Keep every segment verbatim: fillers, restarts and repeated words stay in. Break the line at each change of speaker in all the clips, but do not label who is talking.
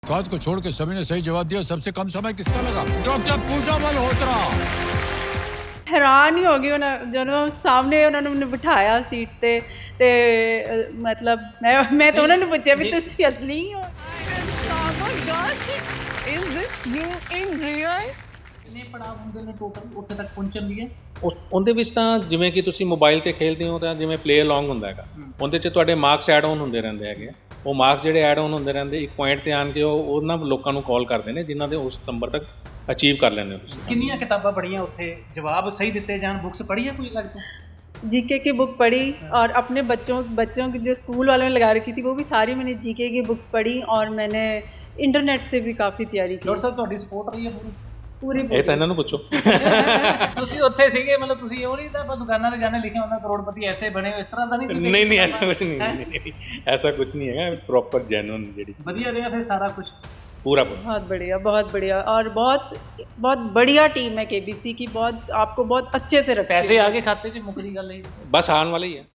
खाद को छोड़ के सभी ने सही जवाब दिया। सबसे कम समय किसका लगा? डॉक्टर पूजा मल्होत्रा।
ਹੈਰਾਨ ਹੀ ਹੋ ਗਈ ਉਹਨਾਂ ਜਦੋਂ ਸਾਹਮਣੇ ਉਹਨਾਂ ਨੂੰ ਮੈਨੂੰ ਬਿਠਾਇਆ ਸੀਟ ਤੇ ਤੇ ਅ, ਮਤਲਬ ਮੈਂ ਮੈਂ ਤਾਂ ਉਹਨਾਂ ਨੂੰ ਪੁੱਛਿਆ ਵੀ ਤੁਸੀਂ ਅਸਲੀ ਹੋ?
Oh my gosh, is this you in real?
ਕਿੰਨੇ ਪੜਾਅ ਹੁੰਦੇ ਨੇ ਟੋਟਲ ਉੱਥੇ ਤੱਕ ਪਹੁੰਚਣ ਲਈ?
ਉਸ ਉਹਦੇ ਵਿੱਚ ਤਾਂ ਜਿਵੇਂ ਕਿ ਤੁਸੀਂ ਮੋਬਾਈਲ ਤੇ ਖੇਡਦੇ ਹੋ ਤਾਂ ਜਿਵੇਂ ਪਲੇ ਅਲੋਂਗ ਹੁੰਦਾ ਹੈਗਾ, ਉਹਦੇ 'ਚ ਤੁਹਾਡੇ ਮਾਰਕਸ ਐਡ ਆਨ ਹੁੰਦੇ ਰਹਿੰਦੇ ਹੈਗੇ ਆ। ਉਹ ਮਾਰਕਸ ਜਿਹੜੇ ਐਡ ਆਨ ਹੁੰਦੇ ਰਹਿੰਦੇ, ਇੱਕ ਪੁਆਇੰਟ ਤੇ ਆਣ ਕੇ ਉਹ ਉਹਨਾਂ ਲੋਕਾਂ ਨੂੰ ਕਾਲ ਕਰਦੇ ਨੇ ਜਿਨ੍ਹਾਂ ਦੇ ਉਸ ਨੰਬਰ ਤੱਕ ਅਚੀਵ ਕਰ ਲੈਂਦੇ ਹੋ ਤੁਸੀਂ।
ਕਿੰਨੀਆਂ ਕਿਤਾਬਾਂ ਪੜ੍ਹੀਆਂ ਉੱਥੇ? ਜਵਾਬ ਸਹੀ ਦਿੱਤੇ ਜਾਣ, बुक्स पढ़ी है कोई लगता?
जीके की बुक पढ़ी और अपने बच्चों बच्चों की जो स्कूल वालों ने लगा रखी थी वो भी सारी मैंने जीके की बुक्स पढ़ी और मैंने इंटरनेट से भी काफ़ी तैयारी की।
ਡਾਕਟਰ ਸਾਹਿਬ ਤੁਹਾਡੀ ਸਪੋਰਟ ਰਹੀ ਹੈ ਪੂਰੀ?
पूरी
ਇਹ ਤਾਂ ਇਹਨਾਂ ਨੂੰ ਪੁੱਛੋ।
ਤੁਸੀਂ ਉੱਥੇ ਸੀਗੇ, ਮਤਲਬ ਤੁਸੀਂ ਉਹ ਨਹੀਂ ਤਾਂ ਆਪਾਂ ਦੁਕਾਨਾਂ ਤੇ ਜਾਣੇ ਲਿਖਿਆ ਹੁੰਦਾ ਕਰੋੜਪਤੀ ਐਸੇ ਬਣੇ ਹੋ, ਇਸ ਤਰ੍ਹਾਂ ਦਾ ਨਹੀਂ?
ਨਹੀਂ ਨਹੀਂ ਐਸਾ ਕੁਝ ਨਹੀਂ, ਨਹੀਂ ਨਹੀਂ, ਐਸਾ ਕੁਝ ਨਹੀਂ ਹੈਗਾ, ਪ੍ਰੋਪਰ ਜੈਨੂਇਨ ਜਿਹੜੀ ਚੀਜ਼
ਵਧੀਆ ਰਿਹਾ ਫਿਰ ਸਾਰਾ ਕੁਝ?
ਪੂਰਾ ਪੂਰਾ
बहुत बढ़िया बहुत बढ़िया और बहुत बहुत बढ़िया टीम है केबीसी की। बहुत आपको बहुत अच्छे से रखते
ਪੈਸੇ ਆ ਗਏ ਖਾਤੇ 'ਚ? ਮੁੱਕਦੀ ਗੱਲ ਇਹ?
ਬਸ ਆਉਣ ਵਾਲਾ ਹੀ ਹੈ।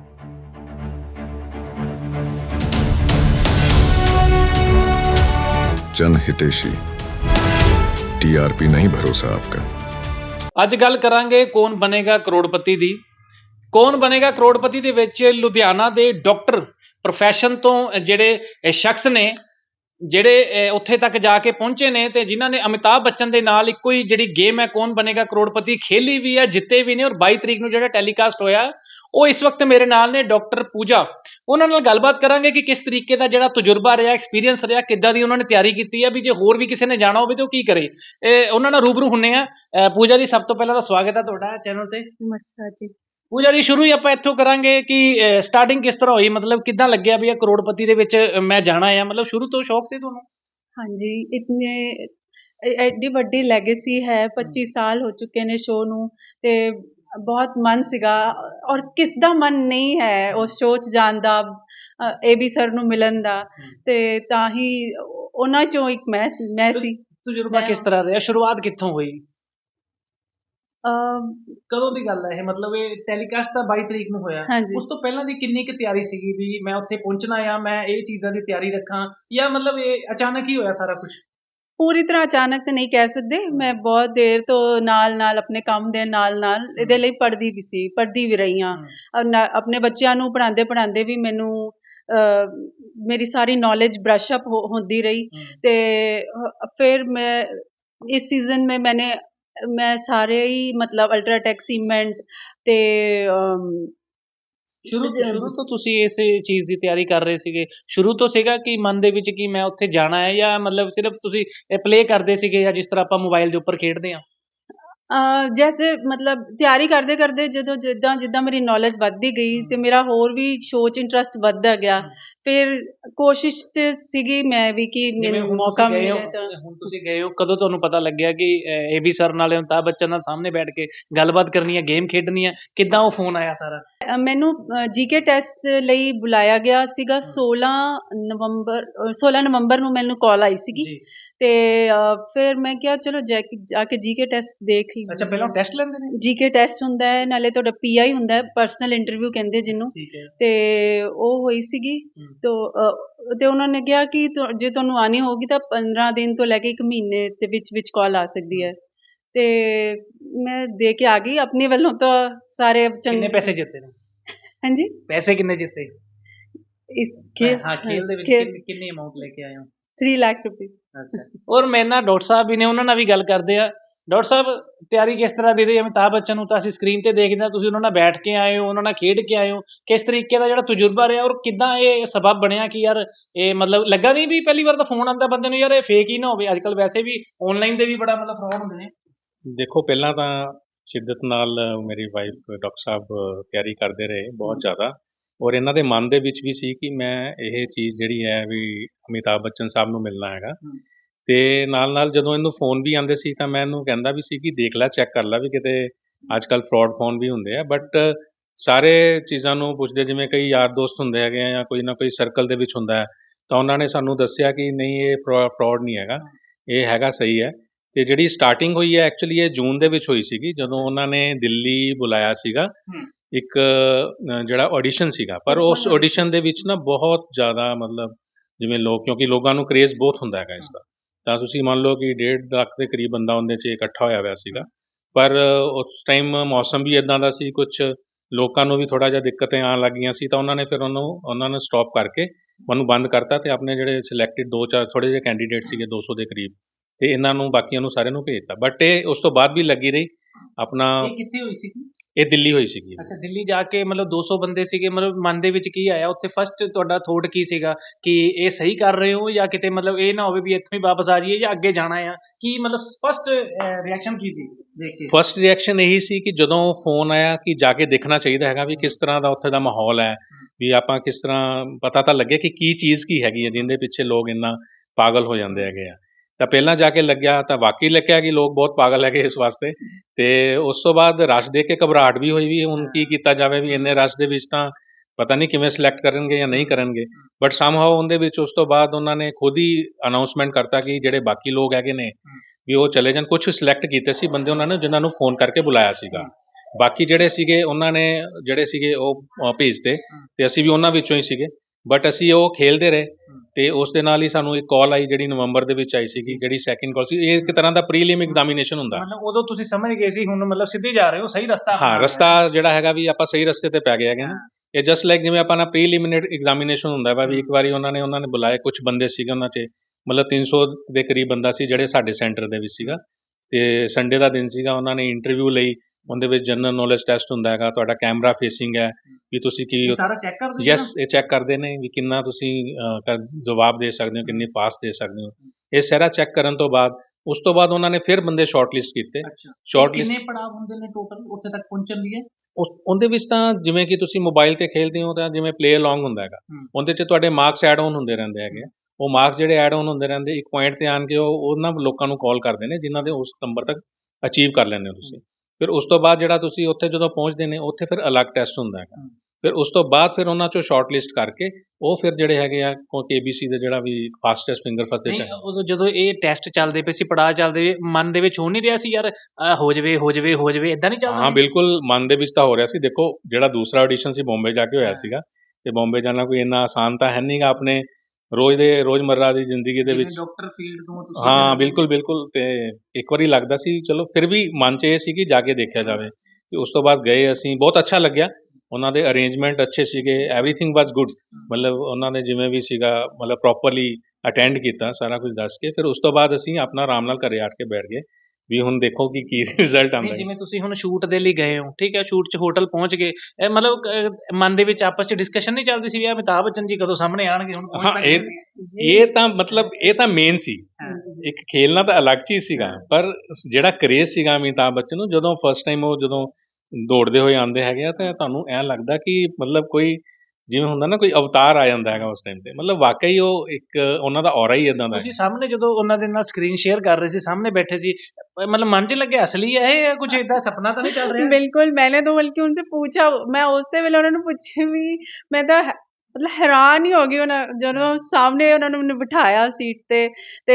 जन हितेशी टीआरपी नहीं भरोसा आपका।
ਅੱਜ ਗੱਲ ਕਰਾਂਗੇ ਕੌਣ ਬਣੇਗਾ ਕਰੋੜਪਤੀ ਦੀ। ਕੌਣ ਬਣੇਗਾ ਕਰੋੜਪਤੀ ਦੇ ਵਿੱਚ ਲੁਧਿਆਣਾ ਦੇ ਡਾਕਟਰ ਪ੍ਰੋਫੈਸ਼ਨ ਤੋਂ ਜਿਹੜੇ ਸ਼ਖਸ ਨੇ, ਜਿਹੜੇ ਉੱਥੇ ਤੱਕ ਜਾ ਕੇ ਪਹੁੰਚੇ ਨੇ ਤੇ ਜਿਨ੍ਹਾਂ ਨੇ ਅਮਿਤਾਭ ਬੱਚਨ ਦੇ ਨਾਲ ਇੱਕੋ ਹੀ ਜਿਹੜੀ ਗੇਮ ਹੈ ਕੌਣ ਬਣੇਗਾ ਕਰੋੜਪਤੀ ਖੇਲੀ ਵੀ ਹੈ, ਜਿੱਤੇ ਵੀ ਨੇ, ਔਰ ਬਾਈ ਤਰੀਕ ਨੂੰ ਜਿਹੜਾ ਟੈਲੀਕਾਸਟ ਹੋਇਆ ਉਹ ਇਸ ਵਕਤ ਮੇਰੇ ਨਾਲ ਨੇ ਡਾਕਟਰ ਪੂਜਾ। ਉਹਨਾਂ ਨਾਲ ਗੱਲਬਾਤ ਕਰਾਂਗੇ ਕਿ ਕਿਸ ਤਰੀਕੇ ਦਾ ਜਿਹੜਾ ਤਜਰਬਾ ਰਿਹਾ, ਐਕਸਪੀਰੀਅੰਸ ਰਿਹਾ, ਕਿੱਦਾਂ ਦੀ ਉਹਨਾਂ ਨੇ ਤਿਆਰੀ ਕੀਤੀ ਹੈ, ਵੀ ਜੇ ਹੋਰ ਵੀ ਕਿਸੇ ਨੇ ਜਾਣਾ ਹੋਵੇ ਤਾਂ ਉਹ ਕੀ ਕਰੇ। ਇਹ ਉਹਨਾਂ ਨਾਲ ਰੂਬਰੂ ਹੁੰਨੇ ਆ। ਪੂਜਾ ਜੀ, ਸਭ ਤੋਂ ਪਹਿਲਾਂ ਤਾਂ ਸਵਾਗਤ ਹੈ ਤੁਹਾਡਾ ਚੈਨਲ ਤੇ।
नमस्कार जी।
ਪੂਜਾ ਜੀ, ਸ਼ੁਰੂ ਹੀ ਆਪਾਂ ਇੱਥੋਂ ਕਰਾਂਗੇ ਕਿ ਸਟਾਰਟਿੰਗ ਕਿਸ ਤਰ੍ਹਾਂ ਹੋਈ, ਮਤਲਬ ਕਿੱਦਾਂ ਲੱਗਿਆ ਵੀ ਇਹ ਕਰੋੜਪਤੀ ਦੇ ਵਿੱਚ ਮੈਂ ਜਾਣਾ ਆ? ਮਤਲਬ ਸ਼ੁਰੂ ਤੋਂ ਸ਼ੌਕ ਸੀ ਤੁਹਾਨੂੰ?
हाँ जी, इतने ਐਡੀ ਵੱਡੀ ਲੈਗੇਸੀ ਹੈ। ਪੱਚੀ ਸਾਲ ਹੋ ਚੁੱਕੇ ਨੇ ਸ਼ੋਅ ਨੂੰ ਤੇ ਬਹੁਤ ਮਨ ਸੀਗਾ, ਔਰ ਕਿਸ ਦਾ ਮਨ ਨਹੀਂ ਹੈ ਉਸ ਸ਼ੋਅ 'ਚ ਜਾਣ ਦਾ, ਏ ਬੀ ਸਰ ਨੂੰ ਮਿਲਣ ਦਾ। ਤੇ ਤਾਂ ਹੀ ਉਹਨਾਂ 'ਚੋਂ ਇੱਕ ਮੈਂ ਸੀ ਮੈਂ ਸੀ
ਤਜਰਬਾ ਕਿਸ ਤਰ੍ਹਾਂ ਰਿਹਾ? ਸ਼ੁਰੂਆਤ ਕਿੱਥੋਂ ਹੋਈ?
ਅਮ,
ਕਦੋਂ ਦੀ ਗੱਲ ਹੈ ਇਹ? ਮਤਲਬ ਇਹ ਟੈਲੀਕਾਸਟ ਤਾਂ ਬਾਈ ਤਰੀਕ ਨੂੰ ਹੋਇਆ,
ਹਾਂਜੀ।
ਉਸ ਤੋਂ ਪਹਿਲਾਂ ਦੀ ਕਿੰਨੀ ਕੁ ਤਿਆਰੀ ਸੀਗੀ ਵੀ ਮੈਂ ਉੱਥੇ ਪਹੁੰਚਣਾ ਆ, ਮੈਂ ਇਹ ਚੀਜ਼ਾਂ ਦੀ ਤਿਆਰੀ ਰੱਖਾਂ, ਜਾਂ ਮਤਲਬ ਇਹ ਅਚਾਨਕ ਹੀ ਹੋਇਆ ਸਾਰਾ ਕੁਝ?
ਪੂਰੀ ਤਰ੍ਹਾਂ ਅਚਾਨਕ ਤਾਂ ਨਹੀਂ ਕਹਿ ਸਕਦੇ। ਮੈਂ ਬਹੁਤ ਦੇਰ ਤੋਂ ਨਾਲ ਨਾਲ ਆਪਣੇ ਕੰਮ ਦੇ ਨਾਲ ਨਾਲ ਇਹਦੇ ਲਈ ਪੜ੍ਹਦੀ ਵੀ ਸੀ, ਪੜ੍ਹਦੀ ਵੀ ਰਹੀ ਹਾਂ। ਔਰ ਨਾ- ਆਪਣੇ ਬੱਚਿਆਂ ਨੂੰ ਪੜ੍ਹਾਉਂਦੇ ਪੜ੍ਹਾਉਂਦੇ ਵੀ ਮੈਨੂੰ ਅਹ, ਮੇਰੀ ਸਾਰੀ ਨੌਲੇਜ ਬ੍ਰਸ਼ ਅਪ ਹੁੰਦੀ ਰਹੀ। ਤੇ ਅਹ, ਫਿਰ ਮੈਂ ਇਸ ਸੀਜ਼ਨ में मैंने मैं सारे ही मतलब अल्ट्राटेक सीमेंट ਤੇ ਅਮ,
ਸ਼ੁਰੂ ਸ਼ੁਰੂ ਤੋਂ ਤੁਸੀਂ ਇਸ ਚੀਜ਼ ਦੀ ਤਿਆਰੀ ਕਰ ਰਹੇ ਸੀਗੇ? ਸ਼ੁਰੂ ਤੋਂ ਸੀਗਾ ਕਿ ਮਨ ਦੇ ਵਿੱਚ ਕਿ ਮੈਂ ਉੱਥੇ ਜਾਣਾ ਹੈ, ਜਾਂ ਮਤਲਬ ਸਿਰਫ ਤੁਸੀਂ ਪਲੇ ਕਰਦੇ ਸੀਗੇ, ਜਾਂ ਜਿਸ ਤਰ੍ਹਾਂ ਆਪਾਂ ਮੋਬਾਈਲ ਦੇ ਉੱਪਰ ਖੇਡਦੇ ਹਾਂ?
ਅਹ, ਜੈਸੇ ਮਤਲਬ ਤਿਆਰੀ ਕਰਦੇ ਕਰਦੇ ਜਦੋਂ ਜਿੱਦਾਂ ਜਿੱਦਾਂ ਮੇਰੀ ਨੌਲੇਜ ਵੱਧਦੀ ਗਈ ਤੇ ਮੇਰਾ ਹੋਰ ਵੀ ਸ਼ੋਅ 'ਚ ਇੰਟਰਸਟ ਵੱਧਦਾ ਗਿਆ। ਫਿਰ ਕੋਸ਼ਿਸ਼ ਤੇ ਸੀਗੀ ਮੈਂ ਵੀ ਕਿ
ਜਿਵੇਂ
ਮੈਨੂੰ
ਹੁਣ
ਮੌਕਾ
ਤੁਸੀਂ ਗਏ ਹੋ,
ਮਿਲੇ ਤਾਂ।
ਹੁਣ ਤੁਸੀਂ ਗਏ ਹੋ, ਕਦੋਂ ਤੁਹਾਨੂੰ ਪਤਾ ਲੱਗਿਆ ਕਿ ਏ ਬੀ ਸਰ ਨਾਲ, ਅਮਿਤਾਭ ਬੱਚਨ ਨਾਲ ਸਾਹਮਣੇ ਬੈਠ ਕੇ ਗੱਲਬਾਤ ਕਰਨੀ ਹੈ, ਗੇਮ ਖੇਡਣੀ ਹੈ? ਕਿੱਦਾਂ ਉਹ ਫੋਨ ਆਇਆ ਸਾਰਾ?
ਅ, ਮੈਨੂੰ ਜੀਕੇ ਟੈਸਟ ਲਈ ਬੁਲਾਇਆ ਗਿਆ ਸੀਗਾ। ਸੋਲਾਂ ਨਵੰਬਰ ਅ, ਸੋਲਾਂ ਨਵੰਬਰ ਨੂੰ ਮੈਨੂੰ ਕਾਲ ਆਈ ਸੀਗੀ।
ਜੀ।
ਤੇ ਅ, ਫਿਰ ਮੈਂ ਕਿਹਾ ਚਲੋ ਜਾ ਕੇ ਜਾ ਕੇ ਜੀਕੇ ਟੈਸਟ ਦੇਖ ਲਈ।
ਅੱਛਾ, ਪਹਿਲਾਂ ਟੈਸਟ ਲੈਂਦੇ ਨੇ?
ਜੀਕੇ ਟੈਸਟ ਹੁੰਦਾ ਹੈ, ਨਾਲੇ ਤੁਹਾਡਾ ਪੀ ਆਈ ਹੁੰਦਾ ਹੈ, ਪਰਸਨਲ ਇੰਟਰਵਿਊ ਕਹਿੰਦੇ ਜਿਹਨੂੰ।
ਠੀਕ ਹੈ।
ਤੇ ਉਹ ਹੋਈ ਸੀਗੀ।
ਹਮ।
ਤੋ ਅ, ਤੇ ਉਹਨਾਂ ਨੇ ਕਿਹਾ ਕਿ ਤੁ- ਜੇ ਤੁਹਾਨੂੰ ਆਣੀ ਹੋਗੀ ਤਾਂ ਪੰਦਰਾਂ ਦਿਨ ਤੋਂ ਲੈ ਕੇ ਇੱਕ ਮਹੀਨੇ ਦੇ ਵਿੱਚ ਵਿੱਚ ਕਾਲ ਆ ਸਕਦੀ ਹੈ। ਤੇ ਮੈਂ ਦੇ ਕੇ ਆ ਗਈ ਆਪਣੇ ਵੱਲੋਂ ਤਾਂ ਸਾਰੇ
ਕਿੰਨੇ
ਚੰਗੇ।
ਪੈਸੇ ਜਿੱਤੇ ਨੇ?
ਹਾਂਜੀ,
ਪੈਸੇ ਕਿੰਨੇ ਜਿੱਤੇ?
ਇਸ ਖੇਲ
ਹਾਂ, ਖੇਲ ਦੇ ਵਿੱਚ ਕਿੰਨੀ- ਕਿੰਨੀ ਅਮਾਉਂਟ ਲੈ ਕੇ ਆਏ ਹੋ?
ਥ੍ਰੀ ਲੱਖ ਰੁਪਏ।
ਅੱਛਾ। ਔਰ ਮੇਰੇ ਨਾਲ ਡਾਕਟਰ ਸਾਹਿਬ ਵੀ ਨੇ, ਉਹਨਾਂ ਨਾਲ ਵੀ ਗੱਲ ਕਰਦੇ ਆ। ਡਾਕਟਰ ਸਾਹਿਬ, ਤਿਆਰੀ ਕਿਸ ਤਰ੍ਹਾਂ ਦੀ ਰਹੀ? ਅਮਿਤਾਭ ਬੱਚਨ ਨੂੰ ਤਾਂ ਅਸੀਂ ਸਕਰੀਨ ਤੇ ਦੇਖਦੇ ਹਾਂ, ਤੁਸੀਂ ਉਹਨਾਂ ਨਾਲ ਬੈਠ ਕੇ ਆਏ ਹੋ, ਉਹਨਾਂ ਨਾਲ ਖੇਡ ਕੇ ਆਏ ਹੋ। ਕਿਸ ਤਰੀਕੇ ਦਾ ਜਿਹੜਾ ਤਜਰਬਾ ਰਿਹਾ, ਔਰ ਕਿੱਦਾਂ ਇਹ ਸਬਬ ਬਣਿਆ ਕਿ ਯਾਰ ਇਹ ਮਤਲਬ ਲੱਗਾ ਨਹੀਂ ਵੀ ਪਹਿਲੀ ਵਾਰ ਤਾਂ ਫੋਨ ਆਉਂਦਾ ਬੰਦੇ ਨੂੰ, ਯਾਰ ਇਹ ਫੇਕ ਹੀ ਨਾ ਹੋਵੇ? ਅੱਜ ਕੱਲ੍ਹ ਵੈਸੇ ਵੀ ਆਨਲਾਈਨ ਦੇ ਵੀ ਬੜਾ ਮਤਲਬ ਫਰਾਡ ਹੁੰਦੇ ਨੇ।
ਦੇਖੋ, ਪਹਿਲਾਂ ਤਾਂ ਸ਼ਿੱਦਤ ਨਾਲ ਮੇਰੀ ਵਾਈਫ ਡਾਕਟਰ ਸਾਹਿਬ ਤਿਆਰੀ ਕਰਦੇ ਰਹੇ ਬਹੁਤ ਜ਼ਿਆਦਾ, ਔਰ ਇਹਨਾਂ ਦੇ ਮਨ ਦੇ ਵਿੱਚ ਵੀ ਸੀ ਕਿ ਮੈਂ ਇਹ ਚੀਜ਼ ਜਿਹੜੀ ਹੈ ਵੀ ਅਮਿਤਾਭ ਬੱਚਨ ਸਾਹਿਬ ਨੂੰ ਮਿਲਣਾ ਹੈਗਾ। ਤੇ ਨਾਲ ਨਾਲ ਜਦੋਂ ਇਹਨੂੰ ਫੋਨ ਵੀ ਆਉਂਦੇ ਸੀ ਤਾਂ ਮੈਂ ਇਹਨੂੰ ਕਹਿੰਦਾ ਵੀ ਸੀ ਕਿ ਦੇਖ ਲੈ, ਚੈੱਕ ਕਰ ਲੈ ਵੀ ਕਿਤੇ ਅੱਜ ਕੱਲ੍ਹ ਫਰਾਡ ਫੋਨ ਵੀ ਹੁੰਦੇ ਆ। ਬਟ ਸਾਰੇ ਚੀਜ਼ਾਂ ਨੂੰ ਪੁੱਛਦੇ, ਜਿਵੇਂ ਕਈ ਯਾਰ ਦੋਸਤ ਹੁੰਦੇ ਹੈਗੇ ਆ ਜਾਂ ਕੋਈ ਨਾ ਕੋਈ ਸਰਕਲ ਦੇ ਵਿੱਚ ਹੁੰਦਾ ਹੈ, ਤਾਂ ਉਹਨਾਂ ਨੇ ਸਾਨੂੰ ਦੱਸਿਆ ਕਿ ਨਹੀਂ, ਇਹ ਫਰਾਡ ਨਹੀਂ ਹੈਗਾ, ਇਹ ਹੈਗਾ ਸਹੀ ਹੈ। ਤੇ ਜਿਹੜੀ ਸਟਾਰਟਿੰਗ ਹੋਈ ਹੈ ਐਕਚੁਅਲੀ ਇਹ ਜੂਨ ਦੇ ਵਿੱਚ ਹੋਈ ਸੀਗੀ, ਜਦੋਂ ਉਹਨਾਂ ਨੇ ਦਿੱਲੀ ਬੁਲਾਇਆ ਸੀਗਾ ਇੱਕ ਅ, ਜਿਹੜਾ ਆਡੀਸ਼ਨ ਸੀਗਾ। ਪਰ ਉਸ ਆਡੀਸ਼ਨ ਦੇ ਵਿੱਚ ਨਾ ਬਹੁਤ ਜ਼ਿਆਦਾ ਮਤਲਬ ਜਿਵੇਂ ਲੋਕ, ਕਿਉਂਕਿ ਲੋਕਾਂ ਨੂੰ ਕਰੇਜ਼ ਬਹੁਤ ਹੁੰਦਾ ਹੈਗਾ ਇਸ ਦਾ, ਤਾਂ ਤੁਸੀਂ ਮੰਨ ਲਓ ਕਿ ਡੇਢ ਲੱਖ ਦੇ ਕਰੀਬ ਬੰਦਾ ਉਹਦੇ 'ਚ ਇਕੱਠਾ ਹੋਇਆ ਹੋਇਆ ਸੀਗਾ। ਪਰ ਉਸ ਟਾਈਮ ਮੌਸਮ ਵੀ ਇੱਦਾਂ ਦਾ ਸੀ, ਕੁਛ ਲੋਕਾਂ ਨੂੰ ਵੀ ਥੋੜ੍ਹਾ ਜਿਹਾ ਦਿੱਕਤਾਂ ਆਉਣ ਲੱਗ ਗਈਆਂ ਸੀ, ਤਾਂ ਉਹਨਾਂ ਨੇ ਫਿਰ ਉਹਨੂੰ ਉਹਨਾਂ ਨੂੰ ਸਟਾਪ ਕਰਕੇ ਉਹਨੂੰ ਬੰਦ ਕਰਤਾ, ਅਤੇ ਆਪਣੇ ਜਿਹੜੇ ਸਿਲੈਕਟਿਡ ਦੋ ਚਾਰ ਥੋੜ੍ਹੇ ਜਿਹੇ ਕੈਂਡੀਡੇਟ ਸੀਗੇ ਦੋ ਸੌ ਦੇ ਕਰੀਬ, ਅਤੇ ਇਹਨਾਂ ਨੂੰ ਬਾਕੀਆਂ ਨੂੰ ਸਾਰਿਆਂ ਨੂੰ ਭੇਜਤਾ। ਬਟ ਇਹ ਉਸ ਤੋਂ ਬਾਅਦ ਵੀ ਲੱਗੀ ਰਹੀ ਆਪਣਾ।
ਇਹ ਕਿੱਥੇ ਹੋਈ ਸੀ?
ਇਹ ਦਿੱਲੀ ਹੋਈ ਸੀਗੀ।
ਅੱਛਾ, ਦਿੱਲੀ ਜਾ ਕੇ ਮਤਲਬ ਦੋ ਸੌ ਬੰਦੇ ਸੀਗੇ, ਮਤਲਬ ਮਨ ਦੇ ਵਿੱਚ ਕੀ ਆਇਆ ਉੱਥੇ? ਫਸਟ ਤੁਹਾਡਾ ਥੋਟ ਕੀ ਸੀਗਾ ਕਿ ਇਹ ਸਹੀ ਕਰ ਰਹੇ ਹੋ, ਜਾਂ ਕਿਤੇ ਮਤਲਬ ਇਹ ਨਾ ਹੋਵੇ ਵੀ ਇੱਥੋਂ ਹੀ ਵਾਪਸ ਆ ਜਾਈਏ ਜਾਂ ਅੱਗੇ ਜਾਣਾ ਆ? ਕੀ ਮਤਲਬ ਫਸਟ ਰਿਐਕਸ਼ਨ ਕੀ ਸੀ ਦੇਖ ਕੇ?
ਫਸਟ ਰਿਐਕਸ਼ਨ ਇਹੀ ਸੀ ਕਿ ਜਦੋਂ ਫੋਨ ਆਇਆ ਕਿ ਜਾ ਕੇ ਦੇਖਣਾ ਚਾਹੀਦਾ ਹੈਗਾ ਵੀ ਕਿਸ ਤਰ੍ਹਾਂ ਦਾ ਉੱਥੇ ਦਾ ਮਾਹੌਲ ਹੈ, ਵੀ ਆਪਾਂ ਕਿਸ ਤਰ੍ਹਾਂ ਪਤਾ ਤਾਂ ਲੱਗੇ ਕਿ ਕੀ ਚੀਜ਼ ਕੀ ਹੈਗੀ ਹੈ ਜਿਹਦੇ ਪਿੱਛੇ ਲੋਕ ਇੰਨਾ ਪਾਗਲ ਹੋ ਜਾਂਦੇ ਹੈਗੇ ਆ। ਤਾਂ ਪਹਿਲਾਂ ਜਾ ਕੇ ਲੱਗਿਆ ਤਾਂ ਵਾਕਈ ਲੱਗਿਆ ਕਿ ਲੋਕ ਬਹੁਤ ਪਾਗਲ ਹੈਗੇ ਇਸ ਵਾਸਤੇ, ਅਤੇ ਉਸ ਤੋਂ ਬਾਅਦ ਰਸ਼ ਦੇਖ ਕੇ ਘਬਰਾਹਟ ਵੀ ਹੋਈ ਵੀ ਹੁਣ ਕੀ ਕੀਤਾ ਜਾਵੇ, ਵੀ ਇੰਨੇ ਰਸ਼ ਦੇ ਵਿੱਚ ਤਾਂ ਪਤਾ ਨਹੀਂ ਕਿਵੇਂ ਸਿਲੈਕਟ ਕਰਨਗੇ ਜਾਂ ਨਹੀਂ ਕਰਨਗੇ। ਬਟ ਸਮਹਾਓ ਉਹਦੇ ਵਿੱਚ ਉਸ ਤੋਂ ਬਾਅਦ ਉਹਨਾਂ ਨੇ ਖੁਦ ਹੀ ਅਨਾਊਂਸਮੈਂਟ ਕਰਤਾ ਕਿ ਜਿਹੜੇ ਬਾਕੀ ਲੋਕ ਹੈਗੇ ਨੇ ਵੀ ਉਹ ਚਲੇ ਜਾਣ। ਕੁਛ ਸਿਲੈਕਟ ਕੀਤੇ ਸੀ ਬੰਦੇ ਉਹਨਾਂ ਨੇ ਜਿਨ੍ਹਾਂ ਨੂੰ ਫੋਨ ਕਰਕੇ ਬੁਲਾਇਆ ਸੀਗਾ, ਬਾਕੀ ਜਿਹੜੇ ਸੀਗੇ ਉਹਨਾਂ ਨੇ ਜਿਹੜੇ ਸੀਗੇ ਉਹ ਭੇਜਤੇ, ਅਤੇ ਅਸੀਂ ਵੀ ਉਹਨਾਂ ਵਿੱਚੋਂ ਹੀ ਸੀਗੇ। ਬਟ ਅਸੀਂ ਉਹ ਖੇਲਦੇ ਰਹੇ, ਅਤੇ ਉਸ ਦੇ ਨਾਲ ਹੀ ਸਾਨੂੰ ਇੱਕ ਕਾਲ ਆਈ ਜਿਹੜੀ ਨਵੰਬਰ ਦੇ ਵਿੱਚ ਆਈ ਸੀਗੀ, ਜਿਹੜੀ ਸੈਕਿੰਡ ਕਾਲ ਸੀ। ਇਹ ਇੱਕ ਤਰ੍ਹਾਂ ਦਾ ਪ੍ਰੀਲਿਮ ਐਗਜ਼ਾਮੀਨੇਸ਼ਨ ਹੁੰਦਾ।
ਮਤਲਬ ਉਦੋਂ ਤੁਸੀਂ ਸਮਝ ਗਏ ਸੀ ਹੁਣ ਮਤਲਬ ਸਿੱਧੇ ਜਾ ਰਹੇ ਹੋ, ਸਹੀ ਰਸਤਾ?
ਹਾਂ, ਰਸਤਾ ਜਿਹੜਾ ਹੈਗਾ ਵੀ ਆਪਾਂ ਸਹੀ ਰਸਤੇ 'ਤੇ ਪੈ ਗਏ ਹੈਗੇ ਨਾ। ਇਹ ਜਸਟ ਲਾਈਕ ਜਿਵੇਂ ਆਪਾਂ ਨਾ ਪ੍ਰੀਲਿਮਿਨੇਟ ਐਗਜ਼ਾਮੀਨੇਸ਼ਨ ਹੁੰਦਾ ਵਾ, ਵੀ ਇੱਕ ਵਾਰੀ ਉਹਨਾਂ ਨੇ ਉਹਨਾਂ ਨੇ ਬੁਲਾਏ, ਕੁਛ ਬੰਦੇ ਸੀਗੇ ਉਹਨਾਂ 'ਚ ਮਤਲਬ ਤਿੰਨ ਸੌ ਦੇ ਕਰੀਬ ਬੰਦਾ ਸੀ ਜਿਹੜੇ ਸਾਡੇ ਸੈਂਟਰ ਦੇ ਵਿੱਚ ਸੀਗਾ, ਅਤੇ ਸੰਡੇ ਦਾ ਦਿਨ ਸੀਗਾ। ਉਹਨਾਂ ਨੇ ਇੰਟਰਵਿਊ ਲਈ, ਉਹਦੇ ਵਿੱਚ ਜਨਰਲ ਨੌਲੇਜ ਟੈਸਟ ਹੁੰਦਾ ਹੈਗਾ, ਤੁਹਾਡਾ ਕੈਮਰਾ ਫੇਸਿੰਗ ਹੈ ਵੀ ਤੁਸੀਂ ਕੀ
ਸਾਰਾ ਚੈੱਕ ਕਰਦੇ?
ਯੈਸ, ਇਹ ਚੈੱਕ ਕਰਦੇ ਨੇ ਵੀ ਕਿੰਨਾ ਤੁਸੀਂ ਜਵਾਬ ਦੇ ਸਕਦੇ ਹੋ, ਕਿੰਨੀ ਫਾਸਟ ਦੇ ਸਕਦੇ ਹੋ। ਇਹ ਸਾਰਾ ਚੈੱਕ ਕਰਨ ਤੋਂ ਬਾਅਦ ਉਸ ਤੋਂ ਬਾਅਦ ਉਹਨਾਂ ਨੇ ਫਿਰ ਬੰਦੇ ਸ਼ਾਰਟ ਲਿਸਟ ਕੀਤੇ। ਸ਼ਾਰਟ ਲਿਸਟ
ਕਿੰਨੇ ਪੜਾਅ ਹੁੰਦੇ ਨੇ ਟੋਟਲ ਉੱਥੇ ਤੱਕ ਪਹੁੰਚਣ ਲਈ?
ਉਸ ਉਹਦੇ ਵਿੱਚ ਤਾਂ ਜਿਵੇਂ ਕਿ ਤੁਸੀਂ ਮੋਬਾਈਲ 'ਤੇ ਖੇਲਦੇ ਹੋ ਤਾਂ ਜਿਵੇਂ ਪਲੇ ਅਲੋਂਗ ਹੁੰਦਾ ਹੈਗਾ, ਉਹਦੇ 'ਚ ਤੁਹਾਡੇ ਮਾਰਕਸ ਐਡ ਆਨ ਹੁੰਦੇ ਰਹਿੰਦੇ ਹੈਗੇ। ਉਹ ਮਾਰਕਸ ਜਿਹੜੇ ਐਡ ਆਨ ਹੁੰਦੇ ਰਹਿੰਦੇ, ਇੱਕ ਪੁਆਇੰਟ 'ਤੇ ਆਣ ਕੇ ਉਹ ਉਹਨਾਂ ਲੋਕਾਂ ਨੂੰ ਕਾਲ ਕਰਦੇ ਨੇ ਜਿਨ੍ਹਾਂ ਦੇ ਉਸ ਨੰਬਰ ਤੱਕ ਅਚੀਵ ਕਰ ਲੈਂਦੇ ਹੋ ਤੁਸੀਂ। ਫਿਰ ਉਸ ਤੋਂ ਬਾਅਦ ਜਿਹੜਾ ਤੁਸੀਂ ਉੱਥੇ ਜਦੋਂ ਪਹੁੰਚਦੇ ਨੇ ਉੱਥੇ ਫਿਰ ਅਲੱਗ ਟੈਸਟ ਹੁੰਦਾ ਹੈਗਾ। ਫਿਰ ਉਸ ਤੋਂ ਬਾਅਦ ਫਿਰ ਉਹਨਾਂ 'ਚੋਂ ਸ਼ਾਰਟ ਲਿਸਟ ਕਰਕੇ ਉਹ ਫਿਰ ਜਿਹੜੇ ਹੈਗੇ ਆ ਕੇ ਬੀ ਸੀ ਦੇ ਜਿਹੜਾ ਵੀ ਫਾਸਟੈਸਟ ਫਿੰਗਰ ਫਸਟ ਦੇ ਟੈਸਟ।
ਉਦੋਂ ਜਦੋਂ ਇਹ ਟੈਸਟ ਚੱਲਦੇ ਪਏ ਸੀ, ਪੜਾਅ ਚੱਲਦੇ ਪਏ, ਮਨ ਦੇ ਵਿੱਚ ਹੋ ਨਹੀਂ ਰਿਹਾ ਸੀ ਯਾਰ ਹੋ ਜਾਵੇ ਹੋ ਜਾਵੇ ਹੋ ਜਾਵੇ, ਇਦਾਂ ਨਹੀਂ ਚੱਲਦਾ?
ਹਾਂ ਬਿਲਕੁਲ, ਮਨ ਦੇ ਵਿੱਚ ਤਾਂ ਹੋ ਰਿਹਾ ਸੀ। ਦੇਖੋ, ਜਿਹੜਾ ਦੂਸਰਾ ਆਡੀਸ਼ਨ ਸੀ ਬੰਬੇ ਜਾ ਕੇ ਹੋਇਆ ਸੀਗਾ, ਅਤੇ ਬੰਬੇ ਜਾਣਾ ਕੋਈ ਇੰਨਾ ਆਸਾਨ ਤਾਂ ਹੈ ਨਹੀਂਗਾ ਆਪਣੇ ਰੋਜ਼ ਦੇ ਰੋਜ਼ਮर्रा ਦੀ ਜ਼ਿੰਦਗੀ ਦੇ ਵਿੱਚ।
ਡਾਕਟਰ ਫੀਲਡ ਤੋਂ ਤੁਸੀਂ?
ਹਾਂ ਬਿਲਕੁਲ ਬਿਲਕੁਲ, ਅਤੇ ਇੱਕ ਵਾਰੀ ਲੱਗਦਾ ਸੀ ਚਲੋ, ਫਿਰ ਵੀ ਮਨ 'ਚ ਇਹ ਸੀ ਕਿ ਜਾ ਕੇ ਦੇਖਿਆ ਜਾਵੇ। ਅਤੇ ਉਸ ਤੋਂ ਬਾਅਦ ਗਏ ਅਸੀਂ, ਬਹੁਤ ਅੱਛਾ ਲੱਗਿਆ। ਉਹਨਾਂ ਦੇ ਅਰੇਂਜਮੈਂਟ ਅੱਛੇ ਸੀਗੇ, ਐਵਰੀਥਿੰਗ ਵਾਜ਼ ਗੁੱਡ। ਮਤਲਬ ਉਹਨਾਂ ਨੇ ਜਿਵੇਂ ਵੀ ਸੀਗਾ ਮਤਲਬ ਪ੍ਰੋਪਰਲੀ ਅਟੈਂਡ ਕੀਤਾ, ਸਾਰਾ ਕੁਝ ਦੱਸ ਕੇ। ਫਿਰ ਉਸ ਤੋਂ ਬਾਅਦ ਅਸੀਂ ਆਪਣਾ ਆਰਾਮ ਨਾਲ ਘਰੇ ਆ ਕੇ ਬੈਠ ਗਏ ਵੀ ਹੁਣ ਦੇਖੋ ਕਿ ਕੀ ਰਿਜ਼ਲਟ ਆਉਂਦਾ।
ਜਿਵੇਂ ਤੁਸੀਂ ਹੁਣ ਸ਼ੂਟ ਦੇ ਲਈ ਗਏ ਹੋ, ਠੀਕ ਹੈ, ਸ਼ੂਟ 'ਚ ਹੋਟਲ ਪਹੁੰਚ ਗਏ, ਇਹ ਮਤਲਬ ਮਨ ਦੇ ਵਿੱਚ ਆਪਸ 'ਚ ਡਿਸਕਸ਼ਨ ਨਹੀਂ ਚੱਲਦੀ ਸੀ ਵੀ ਅਮਿਤਾਭ ਬੱਚਨ ਜੀ ਕਦੋਂ ਸਾਹਮਣੇ ਆਉਣਗੇ? ਹੁਣ
ਹਾਂ, ਇਹ ਇਹ ਤਾਂ ਮਤਲਬ ਇਹ ਤਾਂ ਮੇਨ ਸੀ। ਇੱਕ ਖੇਲਣਾ ਤਾਂ ਅਲੱਗ ਚੀਜ਼ ਸੀਗਾ, ਪਰ ਜਿਹੜਾ ਕਰੇਜ਼ ਸੀਗਾ ਅਮਿਤਾਭ ਬੱਚਨ ਨੂੰ, ਜਦੋਂ ਫਸਟ ਟਾਈਮ ਉਹ ਜਦੋਂ ਦੌੜਦੇ ਹੋਏ ਆਉਂਦੇ ਹੈਗੇ ਆ, ਤਾਂ ਤੁਹਾਨੂੰ ਐਂ ਲੱਗਦਾ ਕਿ ਮਤਲਬ ਕੋਈ ਜਿਵੇਂ ਹੁੰਦਾ ਨਾ ਕੋਈ ਅਵਤਾਰ ਆ ਜਾਂਦਾ ਹੈਗਾ ਉਸ ਟਾਈਮ 'ਤੇ। ਮਤਲਬ ਵਾਕਈ ਉਹ ਇੱਕ ਉਹਨਾਂ ਦਾ ਔਰਾ ਹੀ ਇੱਦਾਂ ਦਾ।
ਤੁਸੀਂ ਸਾਹਮਣੇ ਜਦੋਂ ਉਹਨਾਂ ਦੇ ਨਾਲ ਸਕਰੀਨ ਸ਼ੇਅਰ ਕਰ ਰਹੇ ਸੀ, ਸਾਹਮਣੇ ਬੈਠੇ ਸੀ, मतलब मन च लगे असली है ये कुछ इदा सपना तो नहीं चल रहा?
बिल्कुल, मैंने तो बल्कि उनसे पूछा, मैं उससे पहले उन्होंने पूछे भी, मैं तो मतलब हैरान ही हो गई जो सामने उन्होंने मैंने बिठाया सीट ते ते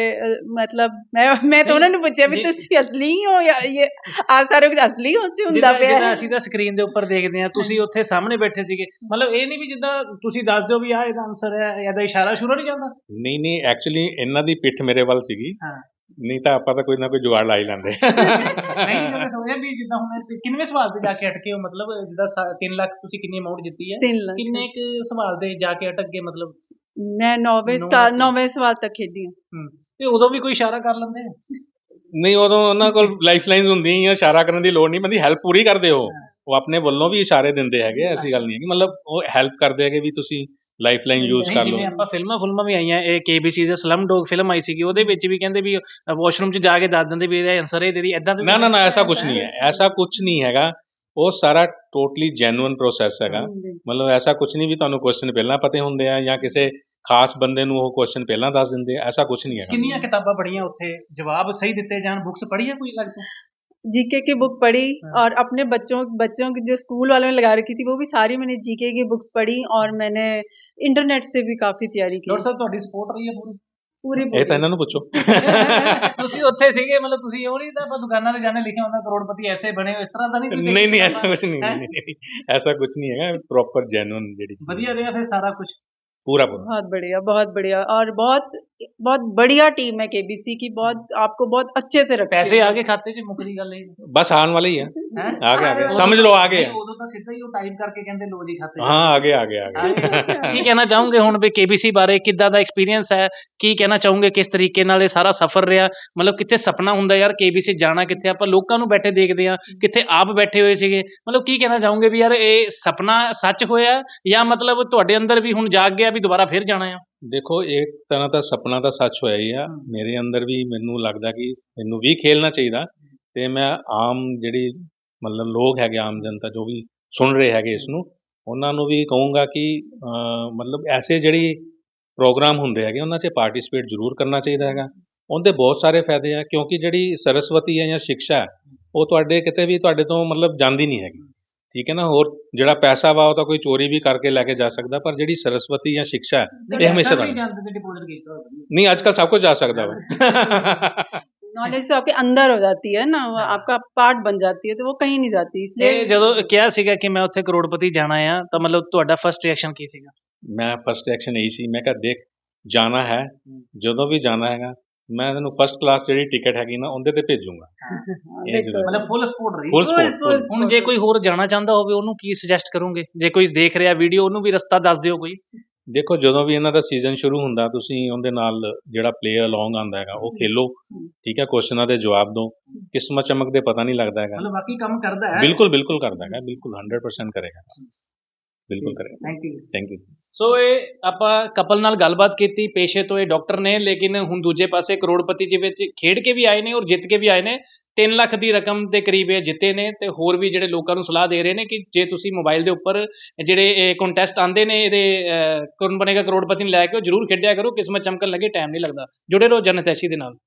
मतलब मैं मैं तो उन्होंने पूछा भी तुसी असली हो या ये आ सारे कुछ असली हो ਚ ਹੁੰਦਾ ਪਿਆ
ਜਿੱਦਾਂ ਅਸੀਂ ਤਾਂ ਸਕਰੀਨ ਦੇ ਉੱਪਰ ਦੇਖਦੇ ਆ, ਤੁਸੀਂ ਉੱਥੇ ਸਾਹਮਣੇ ਬੈਠੇ ਸੀਗੇ, ਮਤਲਬ ਇਹ ਨਹੀਂ ਵੀ ਜਿੱਦਾਂ ਤੁਸੀਂ ਦੱਸ ਦਿਓ ਵੀ ਆਹ ਇਹਦਾ ਆਨਸਰ ਹੈ, ਇਹਦਾ ਇਸ਼ਾਰਾ ਸ਼ੁਰੂ ਨਹੀਂ ਜਾਂਦਾ?
ਨਹੀਂ ਨਹੀਂ, ਐਕਚੁਅਲੀ ਇਹਨਾਂ ਦੀ ਪਿੱਠ ਮੇਰੇ ਵੱਲ ਸੀਗੀ,
ਹਾਂ,
ਨਹੀਂ ਤਾਂ ਆਪਾਂ ਤਾਂ ਕੋਈ ਨਾ ਕੋਈ ਜੁਗਾੜ ਲਾ ਹੀ ਲੈਂਦੇ।
ਨਹੀਂ ਜਦੋਂ ਸੋਚਿਆ ਵੀ ਜਿੱਦਾਂ ਹੁਣ ਕਿੰਨਵੇਂ ਸਵਾਲ ਤੇ ਜਾ ਕੇ ਅਟਕੇ ਹੋ, ਮਤਲਬ ਜਿੱਦਾਂ ਤਿੰਨ ਲੱਖ ਤੁਸੀਂ ਕਿੰਨੀ ਅਮਾਉਂਟ ਜਿੱਤੀ ਹੈ, ਕਿੰਨੇ ਕੁ ਸਵਾਲ ਤੇ ਜਾ ਕੇ ਅਟਕ ਗਏ? ਮਤਲਬ
ਮੈਂ ਨੌਵੇਂ ਨੌਵੇਂ ਸਵਾਲ ਤੱਕ ਖੇਡੀ ਹਾਂ।
ਤੇ ਉਦੋਂ ਵੀ ਕੋਈ ਇਸ਼ਾਰਾ ਕਰ ਲੈਂਦੇ?
ਨਹੀਂ, ਉਦੋਂ ਉਹਨਾਂ ਕੋਲ ਲਾਈਫ ਲਾਈਨਸ ਹੁੰਦੀਆਂ ਹੀ ਆ, ਇਸ਼ਾਰਾ ਕਰਨ ਦੀ ਲੋੜ ਨਹੀਂ ਪੈਂਦੀ, ਹੈਲਪ ਪੂਰੀ ਕਰਦੇ ਹੋ। ਉਹ ਆਪਣੇ ਵੱਲੋਂ ਵੀ ਇਸ਼ਾਰੇ ਦਿੰਦੇ ਹੈਗੇ, ਐਸੀ ਗੱਲ ਨਹੀਂ ਹੈ ਕਿ ਮਤਲਬ ਉਹ ਹੈਲਪ ਕਰਦੇ ਹੈਗੇ ਵੀ ਤੁਸੀਂ ਲਾਈਫ ਲਾਈਨ ਯੂਜ਼ ਕਰ ਲਓ।
ਜਿਵੇਂ ਆਪਾਂ ਫਿਲਮਾਂ ਫਿਲਮਾਂ ਵੀ ਆਈਆਂ, ਇਹ ਕੇ ਬੀ ਸੀ ਦੇ ਸਲਮ ਡੌਗ ਫਿਲਮ ਆਈ ਸੀਗੀ, ਉਹਦੇ ਵਿੱਚ ਵੀ ਕਹਿੰਦੇ ਵੀ ਵਾਸ਼ਰੂਮ 'ਚ ਜਾ ਕੇ ਦੱਸ ਦਿੰਦੇ ਵੀ ਇਹਦਾ ਆਨਸਰ ਇਹ ਦੇ ਦੀ, ਏਦਾਂ?
ਨਾ ਨਾ ਨਾ, ਐਸਾ ਕੁਝ ਨਹੀਂ ਹੈ, ਐਸਾ ਕੁਝ ਨਹੀਂ ਹੈਗਾ। ਉਹ ਸਾਰਾ ਟੋਟਲੀ ਜੈਨੂਅਨ ਪ੍ਰੋਸੈਸ ਹੈਗਾ। ਮਤਲਬ ਐਸਾ ਕੁਝ ਨਹੀਂ ਵੀ ਤੁਹਾਨੂੰ ਕੁਐਸਚਨ ਪਹਿਲਾਂ ਪਤਾ ਹੁੰਦੇ ਆ ਜਾਂ ਕਿਸੇ ਖਾਸ ਬੰਦੇ ਨੂੰ ਉਹ ਕੁਐਸਚਨ ਪਹਿਲਾਂ ਦੱਸ ਦਿੰਦੇ ਆ, ਐਸਾ ਕੁਝ ਨਹੀਂ ਹੈਗਾ।
ਕਿੰਨੀਆਂ ਕਿਤਾਬਾਂ ਪੜ੍ਹੀਆਂ ਉੱਥੇ, ਜਵਾਬ ਸਹੀ ਦਿੱਤੇ ਜਾਣ, बुक्स पढ़ी है कोई लगता?
जीके की बुक पढ़ी और अपने बच्चों बच्चों की जो स्कूल वालों ने लगा रखी थी वो भी सारी मैंने जीके की बुक्स पढ़ी, और मैंने इंटरनेट से भी काफी तैयारी की।
डॉक्टर साहब ਤੁਹਾਡੀ ਸਪੋਰਟ ਰਹੀ ਹੈ ਪੂਰੀ?
ਪੂਰੀ
ਇਹ ਤਾਂ ਇਹਨਾਂ ਨੂੰ ਪੁੱਛੋ।
ਤੁਸੀਂ ਉੱਥੇ ਸੀਗੇ, ਮਤਲਬ ਤੁਸੀਂ ਉਹ ਨਹੀਂ ਤਾਂ ਆਪਾਂ ਦੁਕਾਨਾਂ ਤੇ ਜਾਣੇ ਲਿਖਿਆ ਹੁੰਦਾ ਕਰੋੜਪਤੀ ਐਸੇ ਬਣੇ ਹੋ, ਇਸ ਤਰ੍ਹਾਂ ਦਾ ਨਹੀਂ?
ਨਹੀਂ ਨਹੀਂ, ਐਸਾ ਕੁਝ ਨਹੀਂ, ਐਸਾ ਕੁਝ ਨਹੀਂ ਹੈਗਾ, ਪ੍ਰੋਪਰ ਜੈਨੂਅਨ ਜਿਹੜੀ ਚੀਜ਼।
ਵਧੀਆ ਰਿਹਾ ਫਿਰ ਸਾਰਾ ਕੁਝ?
पूरा पूरा
बहुत बढ़िया, बहुत बढ़िया, और बहुत बहुत बढ़िया टीम है केबीसी की, बहुत आपको बहुत अच्छे से रखती
ਪੈਸੇ
है।
ਆ ਗਏ ਖਾਤੇ 'ਚ ਮੁੱਕਦੀ ਗੱਲ ਇਹ
बस आने वाले ही है,
ਹੈ
आगे आगे समझ लो आगे है।
ਉਦੋਂ ਤਾਂ ਸਿੱਧਾ ਹੀ ਉਹ ਟਾਈਪ ਕਰਕੇ ਕਹਿੰਦੇ ਲੋ ਜੀ ਖਾਤੇ 'ਚ
हाँ आगे आगे आगे
ਕੀ ਕਹਿਣਾ ਚਾਹੋਗੇ ਹੁਣ ਵੀ ਕੇਬੀਸੀ ਬਾਰੇ ਕਿੱਦਾਂ ਦਾ ਐਕਸਪੀਰੀਅੰਸ ਹੈ ਕੀ ਕਹਿਣਾ ਚਾਹੋਗੇ ਕਿਸ ਤਰੀਕੇ ਨਾਲ ਇਹ ਸਾਰਾ ਸਫ਼ਰ ਰਿਹਾ ਮਤਲਬ ਕਿੱਥੇ ਸੁਪਨਾ ਹੁੰਦਾ ਯਾਰ ਕੇਬੀਸੀ ਜਾਣਾ ਕਿੱਥੇ ਆਪਾਂ ਲੋਕਾਂ ਨੂੰ ਬੈਠੇ ਦੇਖਦੇ ਆ ਕਿੱਥੇ ਆਪ ਬੈਠੇ ਹੋਏ ਸੀਗੇ ਮਤਲਬ ਕੀ ਕਹਿਣਾ ਚਾਹੋਗੇ ਵੀ ਯਾਰ ਇਹ ਸੁਪਨਾ ਸੱਚ ਹੋਇਆ ਜਾਂ ਮਤਲਬ ਤੁਹਾਡੇ ਅੰਦਰ ਵੀ ਹੁਣ ਜਾਗ ਗਿਆ ਵੀ ਦੁਬਾਰਾ ਫਿਰ ਜਾਣਾ ਆ
ਦੇਖੋ ਇੱਕ ਤਰ੍ਹਾਂ ਦਾ ਸੁਪਨਾ ਤਾਂ ਸੱਚ ਹੋਇਆ ਹੀ ਆ ਮੇਰੇ ਅੰਦਰ ਵੀ ਮੈਨੂੰ ਲੱਗਦਾ ਕਿ ਮੈਨੂੰ ਵੀ ਖੇਲਣਾ ਚਾਹੀਦਾ ਤੇ ਮੈਂ ਆਮ ਜਿਹੜੀ ਮਤਲਬ ਲੋਕ ਹੈਗੇ ਆਮ ਜਨਤਾ ਜੋ ਵੀ ਸੁਣ ਰਹੇ ਹੈਗੇ ਇਸ ਨੂੰ ਉਹਨਾਂ ਨੂੰ ਵੀ ਕਹੂੰਗਾ ਕਿ ਅਹ, ਮਤਲਬ ਐਸੇ ਜਿਹੜੀ ਪ੍ਰੋਗਰਾਮ ਹੁੰਦੇ ਹੈਗੇ ਉਹਨਾਂ 'ਚ ਪਾਰਟਿਸਿਪੇਟ ਜ਼ਰੂਰ ਕਰਨਾ ਚਾਹੀਦਾ ਹੈਗਾ ਉਹਦੇ ਬਹੁਤ ਸਾਰੇ ਫਾਇਦੇ ਆ ਕਿਉਂਕਿ ਜਿਹੜੀ ਸਰਸਵਤੀ ਹੈ ਜਾਂ ਸਿੱਖਿਆ ਹੈ ਉਹ ਤੁਹਾਡੇ ਕਿਤੇ ਵੀ ਤੁਹਾਡੇ ਤੋਂ ਮਤਲਬ ਜਾਂਦੀ ਨਹੀਂ ਹੈਗੀ ਠੀਕ ਹੈ ਨਾ ਹੋਰ ਜਿਹੜਾ ਪੈਸਾ ਵਾ ਉਹ ਤਾਂ ਕੋਈ ਚੋਰੀ ਵੀ ਕਰਕੇ ਲੈ ਕੇ ਜਾ ਸਕਦਾ ਪਰ ਜਿਹੜੀ ਸਰਸਵਤੀ ਜਾਂ ਸਿੱਖਿਆ ਹੈ ਇਹ ਹਮੇਸ਼ਾ ਰਹਿੰਦੀ
ਡਿਪੋਜ਼ਿਟ ਕੀਤਾ ਹੋਇਆ
ਨਹੀਂ ਅੱਜ ਕੱਲ੍ਹ ਸਭ ਕੁਝ ਜਾ ਸਕਦਾ ਵਾ
नॉलेज तो आपके अंदर हो जाती है ना, वो आपका पार्ट बन जाती है, तो वो कहीं नहीं जाती, इसलिए
ਇਹ ਜਦੋਂ ਕਿਹਾ ਸੀਗਾ ਕਿ ਮੈਂ ਉੱਥੇ ਕਰੋੜਪਤੀ ਜਾਣਾ ਆ ਤਾਂ ਮਤਲਬ ਤੁਹਾਡਾ ਫਰਸਟ ਰਿਐਕਸ਼ਨ ਕੀ ਸੀਗਾ
ਮੈਂ ਫਸਟ ਐਕਸ਼ਨ ਇਹੀ ਸੀ ਮੈਂ ਕਿਹਾ ਦੇਖ ਜਾਣਾ ਹੈ ਜਦੋਂ ਵੀ ਜਾਣਾ ਹੈਗਾ ਮੈਂ ਤੈਨੂੰ ਫਸਟ ਕਲਾਸ ਜਿਹੜੀ ਟਿਕਟ ਹੈਗੀ ਨਾ ਉਹਦੇ ਤੇ ਭੇਜੂੰਗਾ ਇਹ ਜ਼ਰੂਰ
ਮਤਲਬ ਫੁੱਲ ਸਪੋਰਟ ਰਹੀ
ਫੁੱਲ
full-
ਸਪੋਰਟ
full
ਹੁਣ ਜੇ ਕੋਈ ਹੋਰ ਜਾਣਾ ਚਾਹੁੰਦਾ ਹੋਵੇ ਉਹਨੂੰ ਕੀ ਸੁਜੈਸਟ ਕਰੋਗੇ ਜੇ ਕੋਈ ਦੇਖ ਰਿਹਾ ਵੀਡੀਓ ਉਹਨੂੰ ਵੀ ਰਸਤਾ ਦੱਸ ਦਿਓ ਕੋਈ
ਦੇਖੋ ਜਦੋਂ ਵੀ ਇਹਨਾਂ ਦਾ ਸੀਜ਼ਨ ਸ਼ੁਰੂ ਹੁੰਦਾ ਤੁਸੀਂ ਉਹਦੇ ਨਾਲ ਜਿਹੜਾ ਪਲੇ ਅਲੋਂਗ ਆਉਂਦਾ ਹੈਗਾ ਉਹ ਖੇਲੋ ਠੀਕ ਹੈ ਕੁਐਸਚਨਾਂ ਦੇ ਜਵਾਬ ਦਿਓ ਕਿਸਮਤ ਚਮਕ ਦੇ ਪਤਾ ਨਹੀਂ ਲੱਗਦਾ ਹੈਗਾ
ਮਤਲਬ ਬਾਕੀ ਕੰਮ ਕਰਦਾ ਹੈ
ਬਿਲਕੁਲ ਬਿਲਕੁਲ ਕਰਦਾ ਹੈਗਾ ਬਿਲਕੁਲ ਹੰਡਰਡ ਪਰਸੈਂਟ ਕਰੇਗਾ ਬਿਲਕੁਲ ਕਰੇਗਾ
thank you
thank you
so ਇਹ ਆਪਾਂ ਕਪਲ ਨਾਲ ਗੱਲਬਾਤ ਕੀਤੀ ਪੇਸ਼ੇ ਤੋਂ ਇਹ ਡਾਕਟਰ ਨੇ ਲੇਕਿਨ ਹੁਣ ਦੂਜੇ ਪਾਸੇ ਕਰੋੜਪਤੀ ਜੀ ਵਿੱਚ ਖੇਡ ਕੇ ਵੀ ਆਏ ਨੇ ਔਰ ਜਿੱਤ ਕੇ ਵੀ ਆਏ ਨੇ ਤਿੰਨ ਲੱਖ ਦੀ ਰਕਮ ਦੇ ਕਰੀਬ ਇਹ ਜਿੱਤੇ ਨੇ ਤੇ ਹੋਰ ਵੀ ਜਿਹੜੇ ਲੋਕਾਂ ਨੂੰ ਸਲਾਹ ਦੇ ਰਹੇ ਨੇ ਕਿ ਜੇ ਤੁਸੀਂ ਮੋਬਾਈਲ ਦੇ ਉੱਪਰ ਜਿਹੜੇ ਇਹ ਕੰਟੈਸਟ ਆਉਂਦੇ ਨੇ ਇਹਦੇ ਅਹ, ਕੌਣ ਬਣੇਗਾ ਕਰੋੜਪਤੀ ਨੂੰ ਲੈ ਕੇ ਉਹ ਜ਼ਰੂਰ ਖੇਡਿਆ ਕਰੋ ਕਿਸਮਤ ਚਮਕਣ ਲੱਗੇ ਟਾਈਮ ਨਹੀਂ ਲੱਗਦਾ ਜੁੜੇ ਰਹੋ ਜਨਹਿਤੈਸ਼ੀ ਦੇ ਨਾਲ